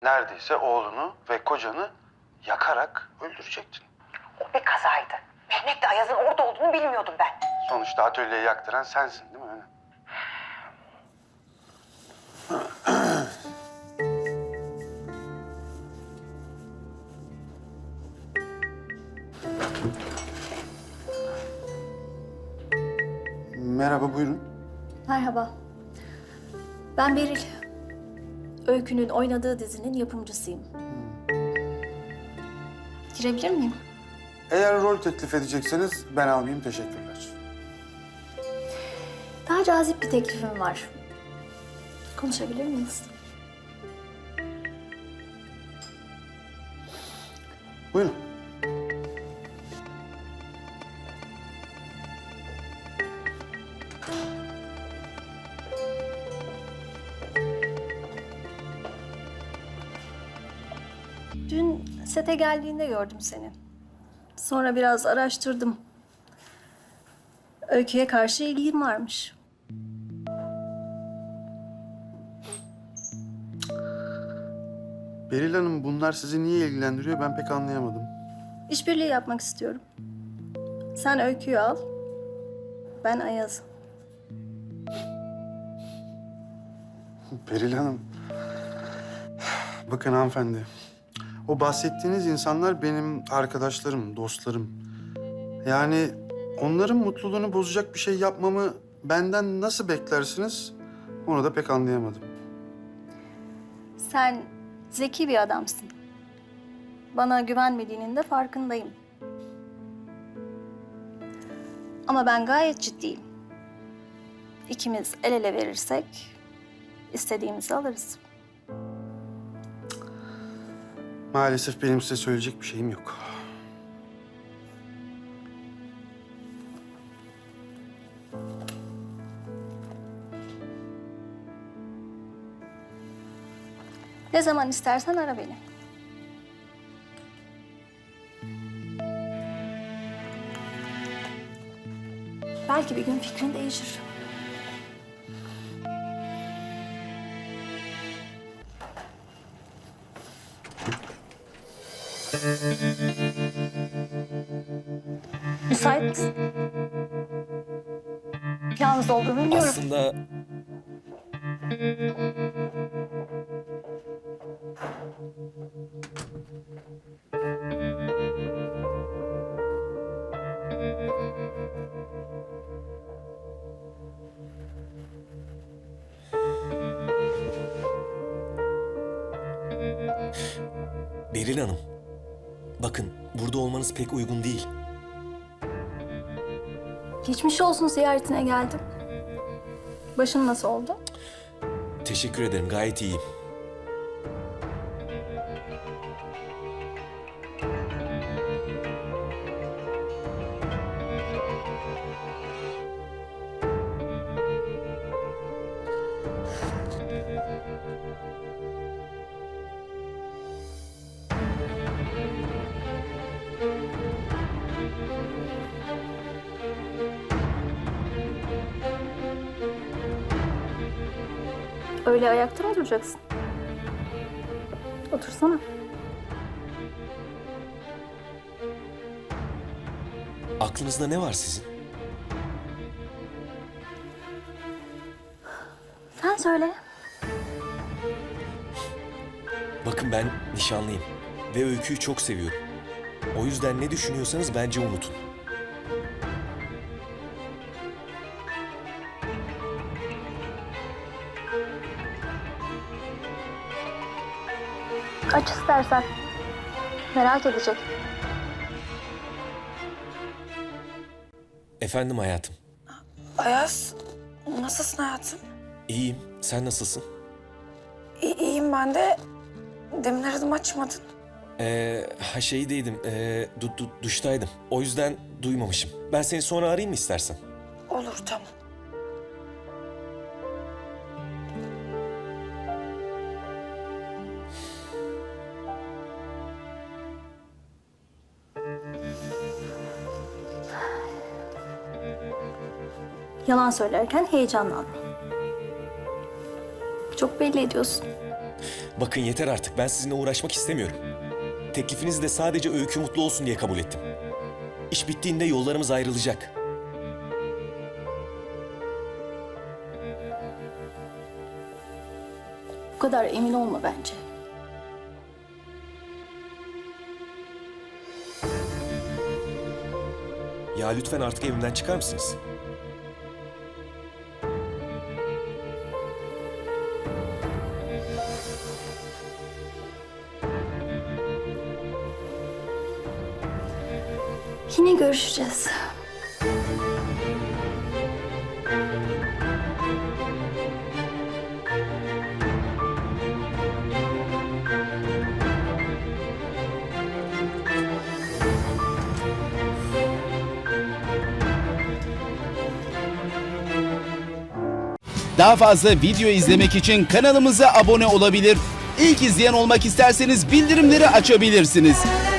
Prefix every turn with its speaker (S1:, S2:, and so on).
S1: neredeyse oğlunu ve kocanı yakarak öldürecektin.
S2: O bir kazaydı. Mehmet'le Ayaz'ın orada olduğunu bilmiyordum ben.
S1: Sonuçta atölyeyi yaktıran sensin değil mi? Merhaba, buyurun.
S3: Merhaba. Ben Beril. Öykü'nün oynadığı dizinin yapımcısıyım. Girebilir miyim?
S1: Eğer rol teklif edecekseniz ben almayayım, teşekkürler.
S3: Daha cazip bir teklifim var. Konuşabilir miyiz?
S1: Buyurun.
S3: Dün sete geldiğinde gördüm seni. Sonra biraz araştırdım. Öykü'ye karşı ilgin varmış.
S1: Beril Hanım, bunlar sizi niye ilgilendiriyor ben pek anlayamadım.
S3: İşbirliği yapmak istiyorum. Sen Öykü'yü al, ben Ayaz'ı.
S1: Beril Hanım, bakın hanımefendi. O bahsettiğiniz insanlar benim arkadaşlarım, dostlarım. Yani onların mutluluğunu bozacak bir şey yapmamı benden nasıl beklersiniz? Onu da pek anlayamadım.
S3: Sen zeki bir adamsın. Bana güvenmediğinin de farkındayım. Ama ben gayet ciddiyim. İkimiz el ele verirsek istediğimizi alırız.
S1: Maalesef benim size söyleyecek bir şeyim yok.
S3: Ne zaman istersen ara beni. Belki bir gün fikrin değişir. Müsait misin? Yalnız olduğunu biliyorum.
S4: Aslında Beril Hanım, bakın burada olmanız pek uygun değil.
S3: Geçmiş olsun ziyaretine geldim. Başın nasıl oldu?
S4: Teşekkür ederim, gayet iyiyim.
S3: Öyle ayakta mı duracaksın? Otursana.
S4: Aklınızda ne var sizin?
S3: Sen söyle.
S4: Bakın ben nişanlıyım ve Öykü'yü çok seviyorum. O yüzden ne düşünüyorsanız bence unutun.
S3: Aç istersen. Merak edecek.
S4: Efendim hayatım,
S5: Ayaz, nasılsın hayatım?
S4: iyiyim. Sen nasılsın?
S5: İyiyim ben de. Demin aradım açmadın.
S4: Şeydeydim, duştaydım. O yüzden duymamışım. Ben seni sonra arayayım mı istersen?
S5: Olur tamam.
S3: Yalan söylerken heyecanlanma. Çok belli ediyorsun.
S4: Bakın yeter artık. Ben sizinle uğraşmak istemiyorum. Teklifinizi de sadece Öykü mutlu olsun diye kabul ettim. İş bittiğinde yollarımız ayrılacak.
S3: Bu kadar emin olma bence.
S4: Ya lütfen artık evimden çıkar mısınız?
S3: Yine görüşeceğiz.
S6: Daha fazla video izlemek için kanalımıza abone olabilir. İlk izleyen olmak isterseniz bildirimleri açabilirsiniz.